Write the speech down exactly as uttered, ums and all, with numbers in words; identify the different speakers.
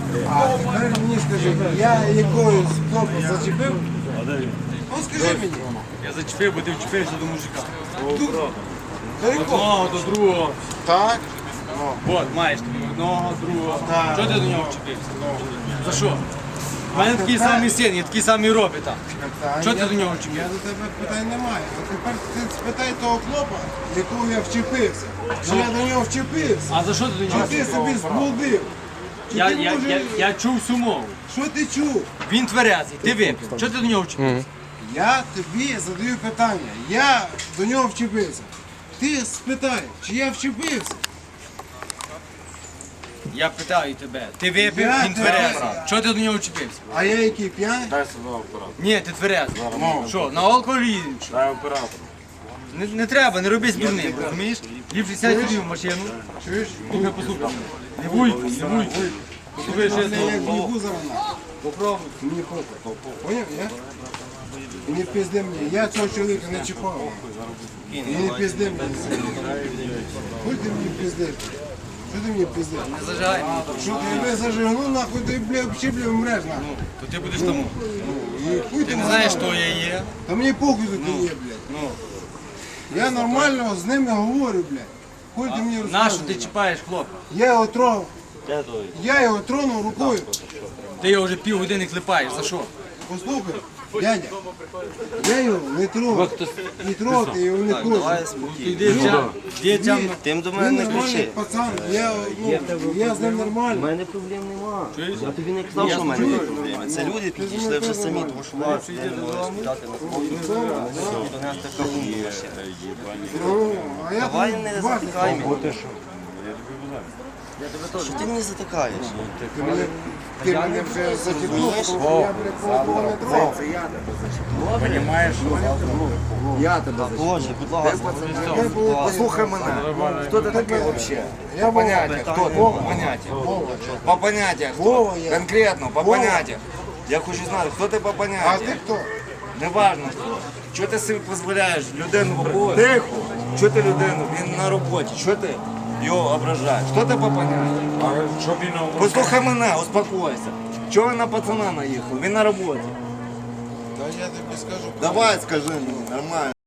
Speaker 1: А тепер мені скажи, я якоюсь хлопець зачепив? Ну скажи мені.
Speaker 2: Я зачепив, бо ти вчепився до мужика.
Speaker 1: До якого?
Speaker 2: Одного до другого.
Speaker 1: Так.
Speaker 2: От, маєш тобі одного, другого.
Speaker 1: Так.
Speaker 2: Чого ти до нього вчепився? За що? У мене такий самий син, я такий самий робить там. Чого ти
Speaker 1: Я-
Speaker 2: до нього
Speaker 1: Я
Speaker 2: вчепився?
Speaker 1: до тебе питань немає. А тепер ти спитай того хлопа, якого я вчепився. Чи я до нього вчепився?
Speaker 2: А за що ти до нього
Speaker 1: Чи ти
Speaker 2: вчепився?
Speaker 1: собі зблудив? Чи
Speaker 2: Я,
Speaker 1: ти,
Speaker 2: я,
Speaker 1: може,
Speaker 2: я, я чув всю мову.
Speaker 1: Що ти чув?
Speaker 2: Він тверезий, ти випив. Чого ти до нього вчепився?
Speaker 1: Я тобі задаю питання. Я до нього вчепився. Ти спитай, чи я вчепився?
Speaker 2: Я питаю тебе, ти випив,
Speaker 1: Я
Speaker 2: він
Speaker 1: тебе-
Speaker 2: тверезий. Чого ти до нього вчепився?
Speaker 1: А я який п'яний?
Speaker 2: Ні, ти тверезий. Що, на алкоголі їдемо? що?
Speaker 3: Дай оператор.
Speaker 2: Не, не треба, не роби з дурним, розумієш? Ліпше сядь собі в машину.
Speaker 1: Чуєш?
Speaker 2: Слухай, послухай. Не вуйку, не вуйку. Послухай, що я
Speaker 1: Я як
Speaker 2: зроблю.
Speaker 1: їбу зараз нахуй.
Speaker 2: Попробуй.
Speaker 1: Мені похуй. Поняв, я? І не пизди мені. Я цього чоловіка не чіпав. І не пизди мені. Хуй ти мені пиздиш? Що ти мені пиздиш?
Speaker 2: Не зажигай мені.
Speaker 1: Що ти тебе зажигнув, нахуй ти, бля, взагалі, бля, вмреш, нахуй.
Speaker 2: То ти будеш тому.
Speaker 1: І хуй
Speaker 2: Ти
Speaker 1: ти
Speaker 2: не знаєш,
Speaker 1: мене.
Speaker 2: хто я є.
Speaker 1: Та мені похуй, що ти є, блядь.
Speaker 2: Ну,
Speaker 1: Я нормально з ними говорю, блядь. Хуй ти мені
Speaker 2: нащо
Speaker 1: розказуєш.
Speaker 2: ти чіпаєш хлопа?
Speaker 1: Я його тронув. Я його тронув рукою.
Speaker 2: Ти його вже півгодини клепаєш, за що?
Speaker 1: Послухай, дядя, я його не трогав. Не трогати його не хочу.
Speaker 2: Ти дітям, дітям,
Speaker 4: Тим до
Speaker 1: Він
Speaker 4: мене не
Speaker 1: нормальний
Speaker 4: кричи.
Speaker 1: пацан, я, ну, я з ним
Speaker 4: У
Speaker 1: нормально.
Speaker 4: мене проблем нема. Я тобі не казав, що в мене є проблеми. Це люди підійшли вже самі, тому що вас не можуть спитати на хлопців. До нас така гумба ще.
Speaker 1: Ну, а я
Speaker 4: Давай
Speaker 1: тут
Speaker 4: не
Speaker 1: два
Speaker 4: затикай мене. Що ти мені затикаєш?
Speaker 1: Ти мене, ти мене вже затягнув, тому що я, блядь, кого не трогав.
Speaker 4: Та Боже, будь ласка.
Speaker 3: Послухай мене. Хто ти такий взагалі?
Speaker 1: Я
Speaker 3: По поняттях,
Speaker 4: питання.
Speaker 3: хто ти? По поняттях. По поняттях. хто?
Speaker 1: Вова я.
Speaker 3: Конкретно, по
Speaker 1: Вова.
Speaker 3: поняттях. Я хочу знати, хто ти по
Speaker 1: А
Speaker 3: поняттях.
Speaker 1: ти хто?
Speaker 3: Неважно хто. Чого ти собі дозволяєш людину? Тихо. Чого ти людину? Він на роботі. Чого ти його ображаєш? Хто ти по поняттях? Послухай мене, успокойся. Чого ви на пацана наїхали? Він на роботі.
Speaker 1: Та я тобі скажу.
Speaker 3: Давай скажи мені, нормально.